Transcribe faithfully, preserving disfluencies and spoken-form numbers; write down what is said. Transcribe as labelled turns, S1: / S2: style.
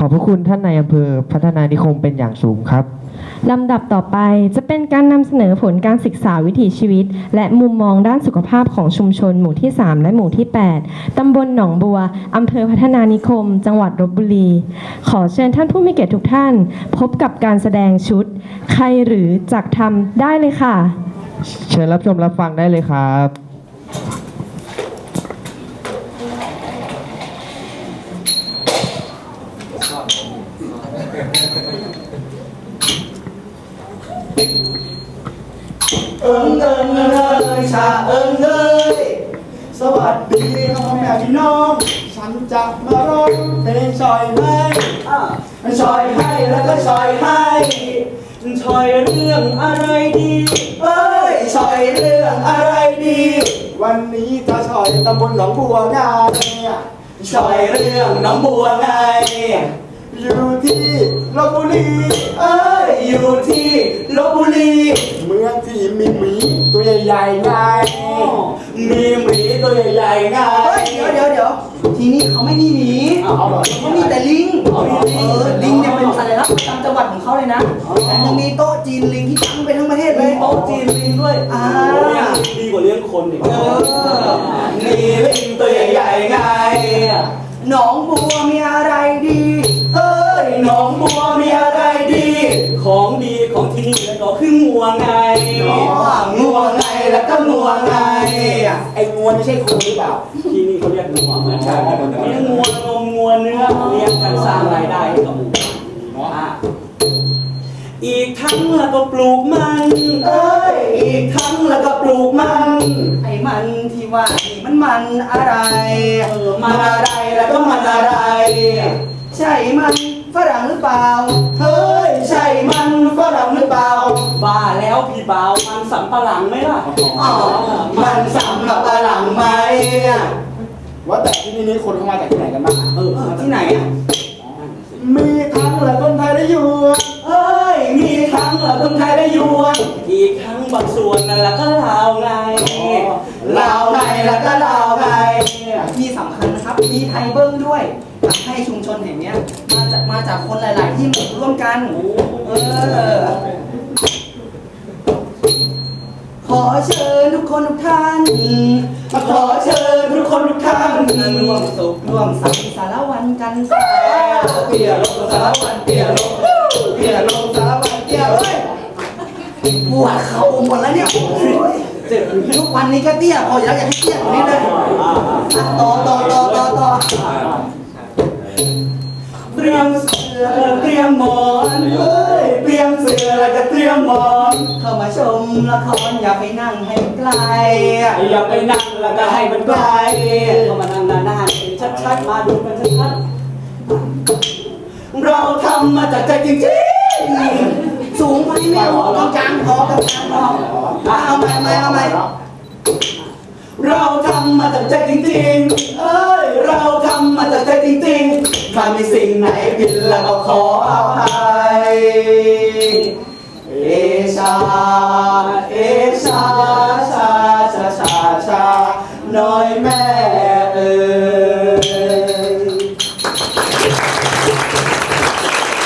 S1: อบพระคุณท่านนายอำเภอพัฒนานิคมเป็นอย่างสูงครับ
S2: ลำดับต่อไปจะเป็นการนำเสนอผลการศึกษาวิถีชีวิตและมุมมองด้านสุขภาพของชุมชนหมู่ที่สามและหมู่ที่แปดตำบลหนองบัวอำเภอพัฒนานิคมจังหวัดลพบุรีขอเชิญท่านผู้มีเกียรติทุกท่านพบกับการแสดงชุดใครหรือจักทำได้เลยค่ะ
S1: เชิญรับชมรับฟังได้เลยครับ
S3: เอิงเอิงเอ้ยชาเอิงเอ้ยสวัสดีพ่อแม่พี่น้องฉันจะมาร้องเพลงชอยให้ชอยให้แล้วก็ชอยให้ชอยเรื่องอะไรดีเอ้ยชอยเรื่องอะไรดีวันนี้จะชอยตำบลหนองบัวไงชอยเรื่องหนองบัวไงอยู่ที่ลพบุรีเอ้ยอยู่ที่ลพบุรีเมืองที่มีหมีตัวใหญ่ๆไงมีหมีตัวใหญ่ๆไงเดี๋ยวเดี๋ยวเดี๋ยวทีนี้เขาไม่มีหมีเขามีแต่ลิงเออลิงเนี่ยเป็นสัญลักษณ์ประจำจังหวัดของเขาเลยนะแต่ยังมีโต๊ะจีนลิงที่ตั้งไปทั้งประเทศเลยโต๊ะจีนลิงด้วยอ่าดีกว่าเลี้ยงคนอีกเออมีลิงตัวใหญ่ๆไงหนองบัวมีอะไรดีเอ้ยหนองบัวมีอะไรดีของดีของที่นี่แล้วก็คืองัวไงงัวไงแล้วก็งัวไงไอ้งัวไม่ใช่คนหรือเปล่าที่นี่เขาเรียกงัวเหมือนกันเลี้ยงงัวนมงัวเนื้อเลี้ยงกันสร้างรายได้ให้กับหมู่บ้านอีกทั้งแล้วก็ปลูกมันเอ้ยอีกทั้งแล้วก็ปลูกมันไอ้มันที่ว่านี่มันมันอะไรเออมันอะไรแล้วก็มันอะไรใช่มันฝรั่งหรือเปล่าเฮ้ยใช่มันฝรั่งหรือเปล่าบ้าแล้วพี่บ่าวมันสำปะหลังไหมล่ะอ๋อมันสำปะหลังไหมว่าแต่ที่นี่คนเข้ามาจากที่ไหนกันบ้างเออที่ไหนอ่ะมีทั้งและคนไทยและยวนเอ้ยมีทั้งและคนไทยและยวนอีกทั้งบางส่วนนั่นแหละก็ลาวไงลาวไงแล้วก็ลาวไงที่สำคัญนะครับมีไทยเบิ้งด้วยทำให้ชุมชนแห่งนี้มาจากมาจากคนหลายๆที่มาร่วมกันเออขอเชิญทุกคนทุกท่านขอเชิญทุกคนทุกท่านร่วมสุขร่วมสังสารวันกันเตี่ยลงสารวันเตี่ยลงเตี่ยลงสารวันเตี่ยเฮ้ยปวดเข่าหมดแล้วเนี่ยทุกวันนี้ก็เตี้ยพออยู่แล้วอยากให้เตี้ยกว่านี้เลยต่อต่อต่อต่อต่อเตรียมเสือเตรียมหมอนเฮ้ยเตรียมเสือแล้วก็เตรียมหมอนเข้ามาชมละครอย่าไปนั่งให้ไกลอย่าไปนั่งแล้วก็ให้มันไกลเข้ามานั่งนานๆชัดๆมาดูกันชัดๆเราทำมาจากใจจริงๆสูงไปไม่พอกลางพอกลางพอเอาใหม่เอาใหม่เอาใหม่เราทำมาจากใจจริงๆเอ้ยเราทำมาจากใจจริงๆถ้ามีสิ่งไหนผิดแล้วก็ขออภัยเอชาเอชา